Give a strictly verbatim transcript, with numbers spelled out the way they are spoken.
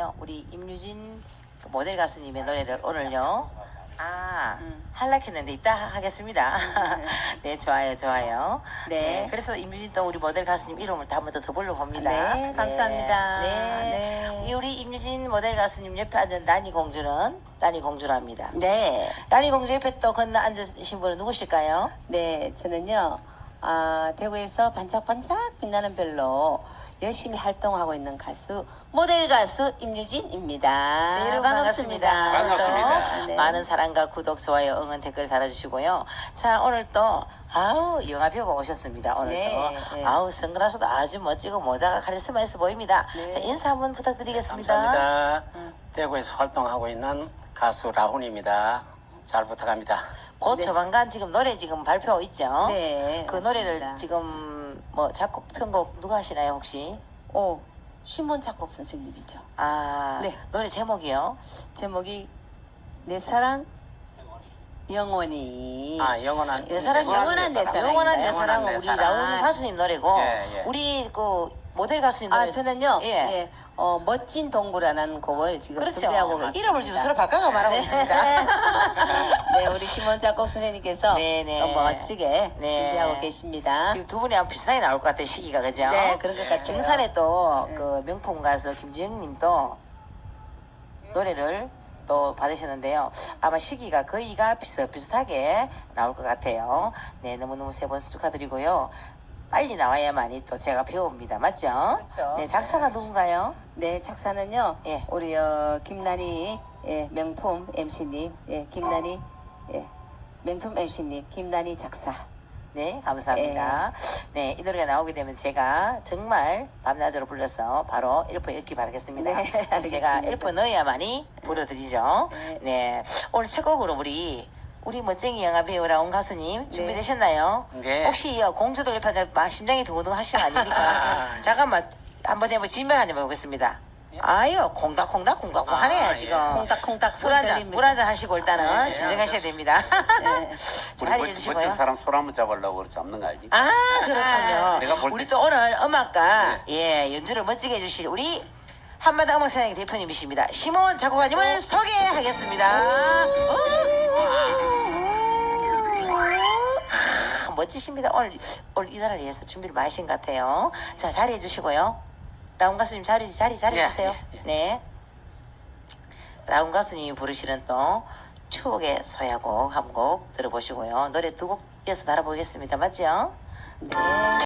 오늘은요 우리 임유진 그 모델 가수님의 노래를 오늘요 아 음. 할락했는데 이따 하겠습니다. 네 좋아요 좋아요. 네. 그래서 임유진 또 우리 모델 가수님 이름을 한 번 더 불러봅니다. 네, 감사합니다. 네. 네. 이 우리 임유진 모델 가수님 옆에 앉은 라니 공주는 라니 공주랍니다. 네. 라니 공주 옆에 또 건너 앉으신 분은 누구실까요? 네, 저는요, 아, 대구에서 반짝반짝 빛나는 별로 열심히 활동하고 있는 가수, 모델 가수 임유진입니다. 네, 여러분 반갑습니다. 반갑습니다. 오늘도 네. 많은 사랑과 구독, 좋아요, 응원, 댓글 달아주시고요. 자, 오늘 또 아우 영화 배우가 오셨습니다. 오늘 네, 또 네. 아우 선글라스도 아주 멋지고 모자가 카리스마 있어 보입니다. 네. 자, 인사 한번 부탁드리겠습니다. 감사합니다. 음. 대구에서 활동하고 있는 가수 라훈입니다. 잘 부탁합니다. 곧 네. 조만간 지금 노래 지금 발표 있죠? 네. 그 맞습니다. 노래를 지금 뭐 작곡 편곡 누가 하시나요 혹시? 오, 신문 작곡 선생님이죠. 아, 네. 노래 제목이요? 제목이 내 사랑 영원히. 아, 영원한 내 사랑 영원한 내 사랑. 영원한 내 영원한 사랑은 내 우리 사랑. 라운 가수님 노래고 예, 예. 우리 그 모델 가수님 노래 아, 저는요, 예. 예. 어, 멋진 동굴이라는 곡을 지금 그렇죠. 준비하고 있습니다. 이름을 지금 서로 바꿔가 말하고 네. 있습니다. 네, 우리 심원 작곡 선생님께서 네, 네. 또 멋지게 네. 준비하고 계십니다. 지금 두 분이 아마 비슷하게 나올 것 같아요 시기가 그죠? 네, 그런 것 같아요. 김산에 또 네. 그 명품 가수 김주영님도 노래를 또 받으셨는데요. 아마 시기가 거의가 비슷비슷하게 나올 것 같아요. 네, 너무너무 세 번 축하드리고요. 빨리 나와야만이 또 제가 배웁니다. 맞죠? 그렇죠. 네, 작사가 누군가요? 네, 작사는요, 예. 우리 어, 김난희 예, 명품 엠씨님, 예, 김난희 예, 명품 엠씨님, 김난희 작사. 네, 감사합니다. 네, 이 노래가 나오게 되면 제가 정말 밤낮으로 불러서 바로 일포 엮기 바라겠습니다. 네, 그럼 제가 알겠습니다. 일포 넣어야만이 불러드리죠. 네. 네, 오늘 첫 곡으로 우리 우리 멋쟁이 영화 배우 라온 가수님 준비되셨나요? 네. 혹시 어, 공주들 옆에 막 심장이 두근두근 하시는 거 아닙니까? 잠깐만 한번 해보 진명 한번 해보겠습니다. 아유, 콩닥콩닥 콩닥콩 아, 하네요 예. 지금. 콩닥콩닥 물 소리 한잔 들립니다. 물 한잔 하시고 일단은 네, 진정하셔야 됩니다. 네. 잘 우리 멋- 해주시고요. 멋진 사람 손 한번 잡으려고 그래 잡는 거 알지? 아 그렇군요. 내가 볼 우리 때- 또 오늘 음악가 예 연주를 멋지게 해주실 우리 한마다 음악사장 대표님이십니다. 심원 작곡가님을 소개하겠습니다. 아, 멋지십니다. 오늘 오늘 이 날을 위해서 준비를 많이 하신 것 같아요. 자 자리해 주시고요. 라운 가수님 자리 자리 자리 예, 주세요. 예, 예. 네. 라운 가수님이 부르시는 또 추억의 서야곡 한 곡 들어보시고요. 노래 두 곡 이어서 달아보겠습니다. 맞죠? 네.